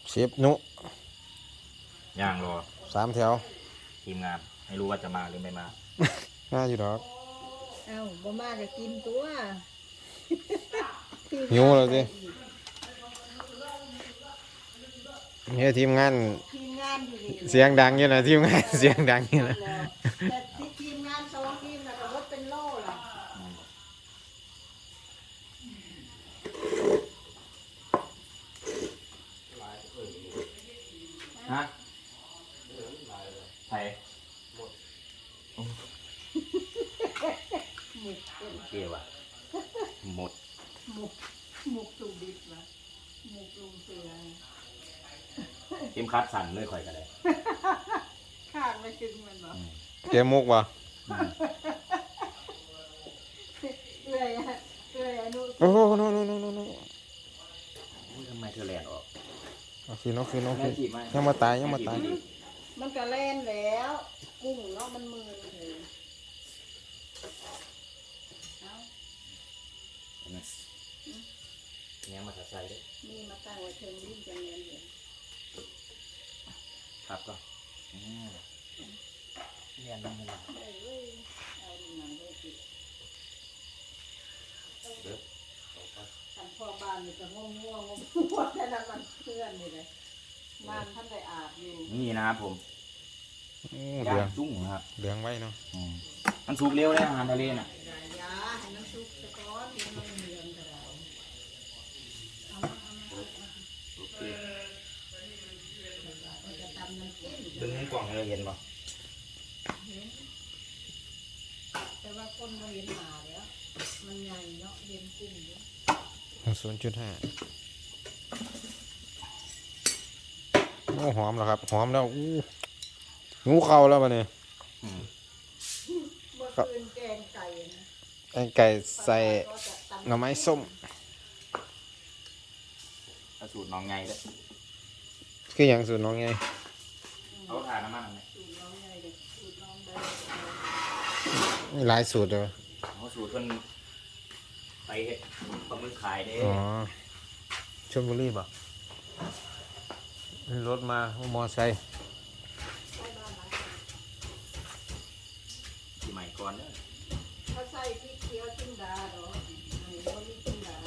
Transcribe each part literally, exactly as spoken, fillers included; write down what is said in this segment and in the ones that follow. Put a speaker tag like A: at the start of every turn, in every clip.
A: เชฟนุ
B: ย่างรอ
A: สามแถว
B: ทีมงานไม่รู้ว่าจะมาหรือไม่มา
A: น่าอยู่ดอก
C: เอ้าบ่มาก็กินตัว
A: หิวแล้วสิเนี่ยทีมงาน
C: ทีมงานอยู่นี่
A: เสียงดังอยู่นะทีมงานเสียงดังอยู่นะ
C: แต่ทีมงานสองทีมน่ะก็รถเป็นโล่ล่ะ
B: ฮะไทยหมดเกี่ยวอะหมด
C: หมุกหมุกสุดิบนะหมุกลุงเสือ
B: ทีมคัดสั่นเลยข่อยกันเลย
C: ข้างไม่ถึงมันหรอ
A: เกมมุกบ่
C: เลยเลยอนุ
A: โอ้โหโน่โน่โน่โน่โน่
B: ทำไมเธอแลนออก
A: โอเคโอเคโอเคยังมาตายยังมาตาย
C: มันก็เล่นแล้วกุ้งเนาะมันมือเลย
B: เนี่ยมาใส่ด้วย
C: นี่มาตั้งไว้เทิงลิ้นจะเนียนเลย
B: ครับก็เนียนนั่งเลย
C: เอาดูหนังด้วยสิ
B: เด้อ
C: ท่านพ่อบ้านนี่ก็ง่วงง่วงง่วงแต่ละมันเพื่อนนี่เลยบ้านท่านได้อาบอยู่
B: นี่นะครับผม
A: เดือง
B: จุ้งครับ
A: เดืองไว้เนาะ
B: มันสุกเร็วเลยอาหารทะเลน่ะ
C: ยาให้น้ำซุปตะก้อนที่มันเหลืองกระดาษ
B: โอเคดึงกล่องให้เราเห็นป่ะ
C: แต่ว่าคนเราเห็นหมาแล้วมันใหญ่เนาะเห็นกุ้งเย
A: อะศูนย์จุดห้าโอ้หอมแล้วครับหอมแล้วอู้งูเข้าแล้วมาเนี่ย
C: เมื่อคืนแกงไก่นะ
A: แกงไก่ใส่หน่อไม้ส้ม
B: สูตรน้องไงเลย
A: คืออย่างสูตรน้องไง
B: เขาทานน้ำมันไหม
A: มีหลายสูตรเลย
B: เขาสูตรคนไปเห็ดปลาหมึกขายเด้
A: อ๋อชลบุรีป่ะรถมามอไซค์
B: ที่ใหม่ก่อนเนี่ย
C: เขาใส่พริกเขียวจิ้มดาหรออันนี้เขามีจิ้มดา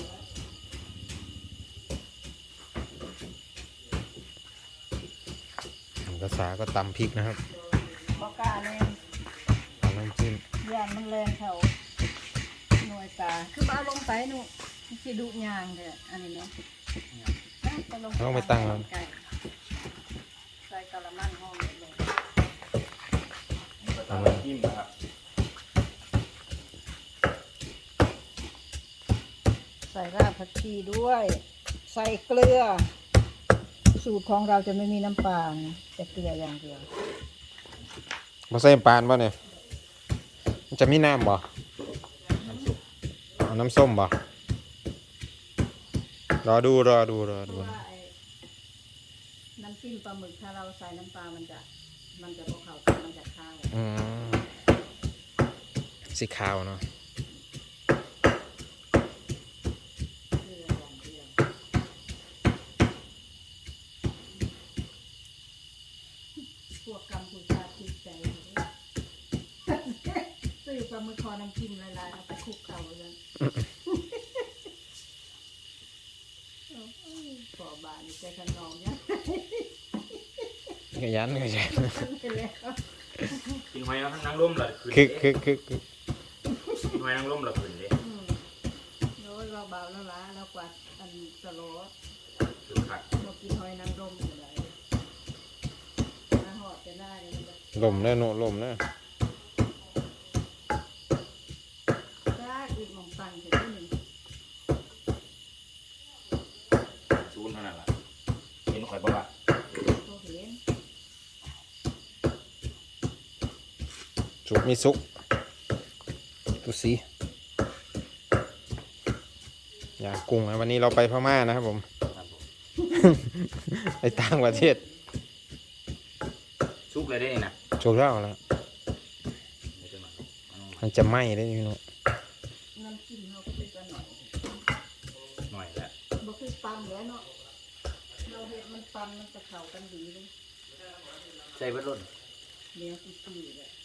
C: แล้ว
A: ภาษาก็ตำพริกนะครับ
C: บอกาเลย
A: ตำน้ำจิ้ม
C: ย่านมันแรงเขาหน่วยตาคือเอาลงไปหนูสิดุยางเลยอันนี้เนาะ
A: ต้องไปตั้งแล้ว
C: ใส่กะละมังห้องเลย
B: ตำน้ำจิ้มนะครับ
C: ใส่รากผักชีด้วยใส่เกลือสูตรของเราจะไม่มีน้ำปลาจะเกลืออย่างเดียว
A: มาใส่ปานป่ะเนี่ยมันจะมีน้ำบ่เอาน้ำส้มบ่รอดูรอดูรอดู
C: น้ำจิ้มปลาหมึกถ้าเราใส่น้ำปลามันจะมันจะพวกเขามันจะข้าว
A: อืมสีขาวเนาะ
C: พวกกัมพูชาติดใจซื้อปลาหมึกคอน้ำจิ้มลายๆเอาไปคลุกเข่าเลยขอบานใจขนมเนี่ย
A: ขยันขยัน
B: กินหอยแล้วทั้งนั่งร่มเลย
A: คือคือคือคือ
B: กินหอยนั่งร่มเลยคืนเลย
C: แล้วเราเบาแล้วล้าเรากวาดอันสโลว์
B: คือขัด
C: เรากินหอยนางรมอยู่ไหนหอดจะได้
A: ลมเลยโนลมเลย
C: จ้าอีกหม่องตังเสร็จหนึ่ง
B: ซูนเท่านั้นแหละเห็นข่อยบอกว่า
A: สุกมีสุกดูสิอย่างกุ้งนะวันนี้เราไปพม่านะครับผมไปต่างประเทศ
B: ชุกเลยได้นะ
A: ชุกแล้วแล้วมันจะไหม้ได้พี่น้อง
C: น้ำจิ้มเราก็เป็นกันหน่อย
B: หน่อยแล้ว
C: บ่คือปั๊มแล้วเนาะเราเห็นมันปันมันจะเข้ากันดีเลย
B: ใส่เบิดรถ
C: เลี้ยงตุ้ยๆเลย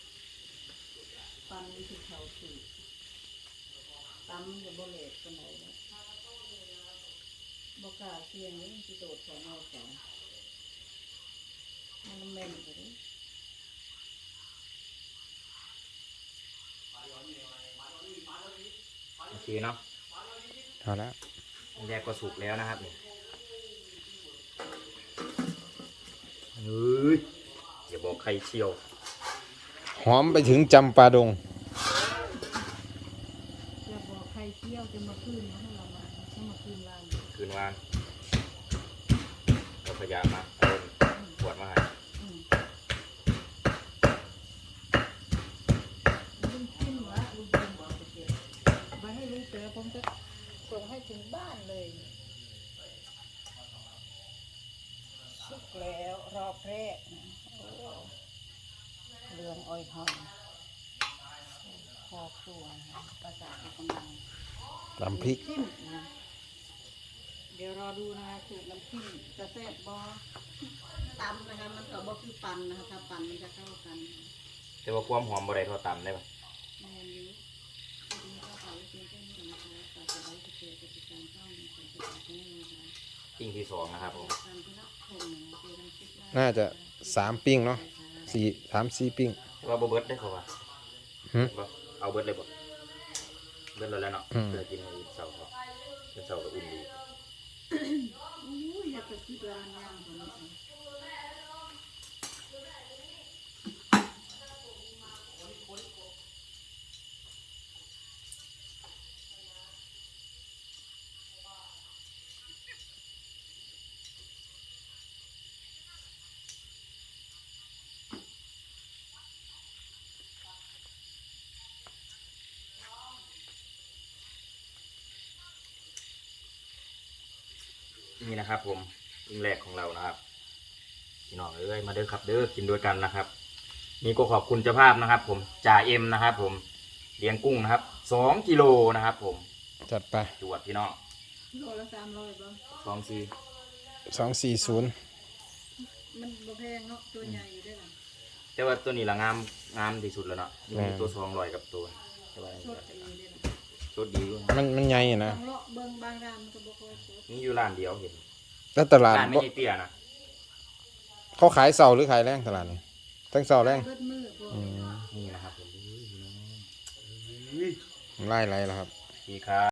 C: ปันมันคือเข้าสูตรตำมันจะบ่เละกันไหนนะบ่กล้าเสี่ยงเลยมันสิโดดใส่นอกกันมันแม่นไปเลย
B: โอเคเนาะ
A: เอาละ
B: อันแรกก็สุกแล้วนะครับนี่เฮ้ยอย่าบอกใครเชียว
A: หอมไปถึงจำปาดง
C: จะบอกใครเที่ยวจะมาคืนนะให้เรามาให้มาคืนร้าน
B: คืนวานก็พยายามมาเอาขวดมาให้
C: อืมลุงขึ้นวะลุงขึ้นบอกไปเจอไปให้ลุงเจอผมจะส่งให้ถึงบ้านเลยสุกแล้วรอบแรกนะโอ้เรืองอ้อยหอมครอบครัวนะประสาทกำลัง
A: ตำพริก
C: จิ้มนะเดี๋ยวรอดูนะคะสูตรน้ำจิ้มจะแซ่บบ่ตำนะคะมันก็บ่คือปั่นนะคะถ้าปั่นมันจะเข้ากัน
B: แต่ว่าความหอมบ่ได้เท่าตำได้ปะ
C: แม่นอยู่ทีนี้ก็ขอเพียงแค่นี้นะคะฝากกดไลค์กดแชร์กดติดตามช่องของคุณผู้ชมนะคะ
B: ปิ้งที่สองนะครับผม
C: ตามที่รับชมนะคะเจอกันคลิปหน้า
A: น่าจะสามปิ้งเนาะสี่สามสี่ปิ้ง
B: แต่ว่าบ่เบิดได้เขาว่า
A: หืม
B: บ่เอาเบิดเลยบ่เบิดเลยแล้วเนาะ
A: อืม
B: เพื่อกินในเสาร์เขาเป็นเสาร์ก็อุ่นดี
C: อุ้ยอยากจะคิดว่ามันย่างกว่านี้
B: นี่นะครับผมปิ้งแรกของเรานะครับพี่น้องเอ้ยมาเด้อครับเด้อกินด้วยกันนะครับนี่ก็ขอบคุณเจ้าภาพนะครับ ผมจ่าเอ็มนะครับ ผมเลี้ยงกุ้งนะครับสองกิโลนะครับ ผม
A: จัดไป
B: จวดพี่น้อง
C: โลละสามร้อยบ่
B: สองซี
A: สองสี่ศูนย์
C: มันบ่แพงเนาะตัวใหญ่อยู่ด้วยล่ะ
B: แต่ว่าตัวนี้ละงามงามที่สุดแล้วเนาะมีตัวสองร้อยกับตัวแต่ว่า
C: สดไปเลยด้วยล่ะ
B: สดดีอยู่
A: มันมันใหญ่อะนะ
C: บางเลาะเบิ่งบางร้านมันก็บ่ค่อยสด
B: มีอยู่ร้านเดียวเห็น
A: แล้วตลาด
B: ร้านไม่
A: บ่
B: ใช่เตี้ยนะ
A: เขาขายเสาร์หรือขายแรงตลาดนี่ทั้งเสาร์แรง
C: เบิดมือพวก
A: อืม
B: นี่นะครับผม
A: ไล่ไรแล้วครับ
B: ดีครับ